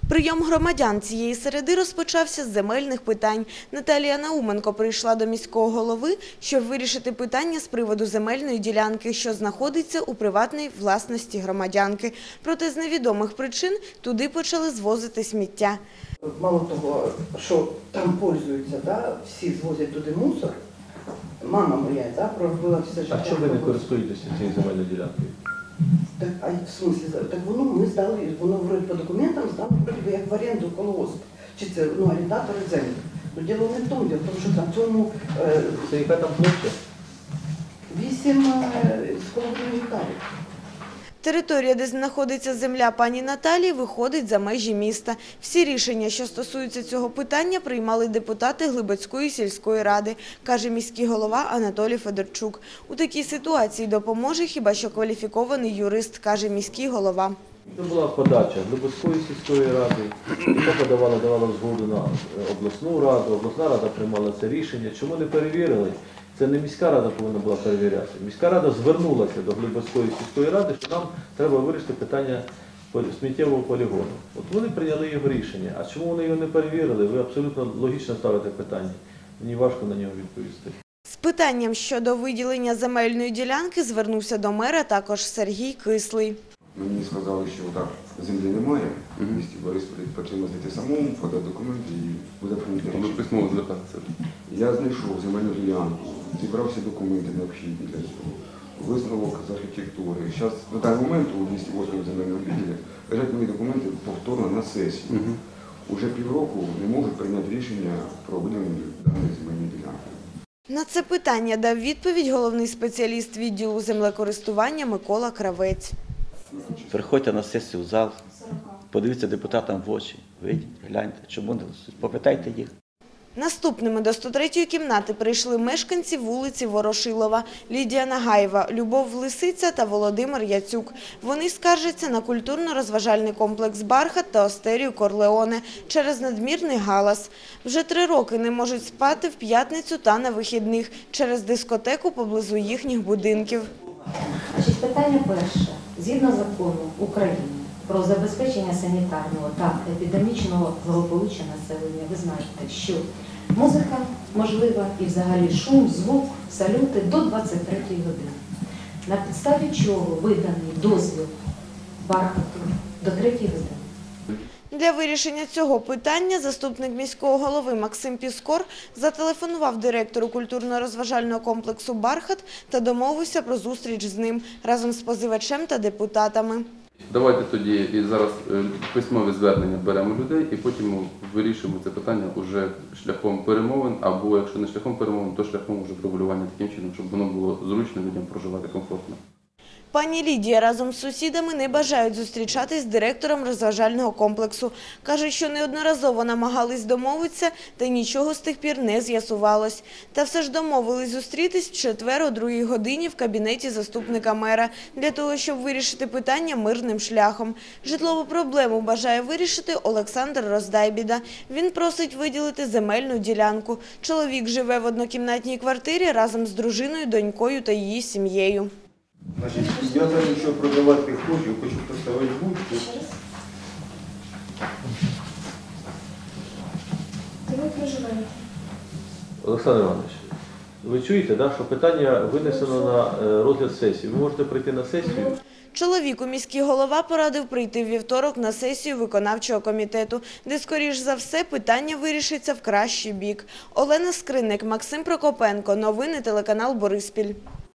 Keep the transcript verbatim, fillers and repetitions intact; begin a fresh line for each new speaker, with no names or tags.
Прийом громадян цієї середи розпочався з земельних питань. Наталія Науменко прийшла до міського голови, щоб вирішити питання з приводу земельної ділянки, що знаходиться у приватній власності громадянки. Проте з невідомих причин туди почали звозити сміття.
Мало того, що там пользуються, да, всі звозять туди мусор. Мама моя, да, пробила все життя.
А чому ви не користуєтеся цією земельною ділянкою?
Так, а в смислі, так воно ми здали, воно вроді по документам здали вроді як в оренду колгосп. Чи це, ну, орендатори землі. Ну, діло не в тому, діло в тому, що на цьому е,
Це яка там площа?
вісім е, з половиною гектарів.
Територія, де знаходиться земля пані Наталії, виходить за межі міста. Всі рішення, що стосуються цього питання, приймали депутати Глибоцької сільської ради, каже міський голова Анатолій Федорчук. У такій ситуації допоможе хіба що кваліфікований юрист, каже міський голова.
Це була подача Глибоцької сільської ради, яка подавала, давала згоду на обласну раду, обласна рада приймала це рішення. Чому не перевірили? Це не міська рада повинна була перевіряти. Міська рада звернулася до Глибоцької сільської ради, що нам треба вирішити питання сміттєвого полігону. От вони прийняли його рішення. А чому вони його не перевірили? Ви абсолютно логічно ставите питання. Мені важко на нього відповісти.
З питанням щодо виділення земельної ділянки звернувся до мера також Сергій Кислий.
Мені сказали, що так, землі немає, в місті Борисполі потрібно знайти самому, подати документи і буде прийняти рішення.
Письмово звертатися.
Я знайшов земельну ділянку, зібрав всі документи необхідні для цього, висновок з архітектури. Зараз на даний момент у двісті восьмому земельному відділі лежать мої документи повторно на сесію. Угу. Уже півроку не можуть прийняти рішення про виділення даної земельної ділянки.
На це питання дав відповідь головний спеціаліст відділу землекористування Микола Кравець.
Приходьте на сесію в зал, подивіться депутатам в очі, вийдіть, гляньте, чому не голосують, попитайте їх.
Наступними до сто третьої кімнати прийшли мешканці вулиці Ворошилова Лідія Нагаєва, Любов Лисиця та Володимир Яцюк. Вони скаржаться на культурно-розважальний комплекс «Бархат» та остерію «Корлеоне» через надмірний галас. Вже три роки не можуть спати в п'ятницю та на вихідних через дискотеку поблизу їхніх будинків.
Значить, питання перше. Згідно закону України про забезпечення санітарного та епідемічного благополуччя населення, ви знаєте, що музика можлива і взагалі шум, звук, салюти до двадцять третьої години. На підставі чого виданий дозвіл «Бархату» до третьої години.
Для вирішення цього питання заступник міського голови Максим Піскор зателефонував директору культурно-розважального комплексу «Бархат» та домовився про зустріч з ним разом з позивачем та депутатами.
Давайте тоді і зараз письмове звернення беремо людей і потім вирішуємо це питання уже шляхом перемовин, або якщо не шляхом перемовин, то шляхом уже врегулювання таким чином, щоб воно було зручно людям проживати комфортно.
Пані Лідія разом з сусідами не бажають зустрічатись з директором розважального комплексу. Кажуть, що неодноразово намагались домовитися, та нічого з тих пір не з'ясувалось. Та все ж домовились зустрітись в четвер о другій годині в кабінеті заступника мера, для того, щоб вирішити питання мирним шляхом. Житлову проблему бажає вирішити Олександр Роздайбіда. Він просить виділити земельну ділянку. Чоловік живе в однокімнатній квартирі разом з дружиною, донькою та її сім'єю.
Значить, я там нічого продавати не хочу, хочу поставити будку.
Де ви проживаєте?
Олександр Іванович, ви чуєте, да, що питання винесено на розгляд сесії. Ви можете прийти на сесію.
Чоловіку міський голова порадив прийти в вівторок на сесію виконавчого комітету, де, скоріш за все, питання вирішиться в кращий бік. Олена Скринник, Максим Прокопенко. Новини телеканал Бориспіль.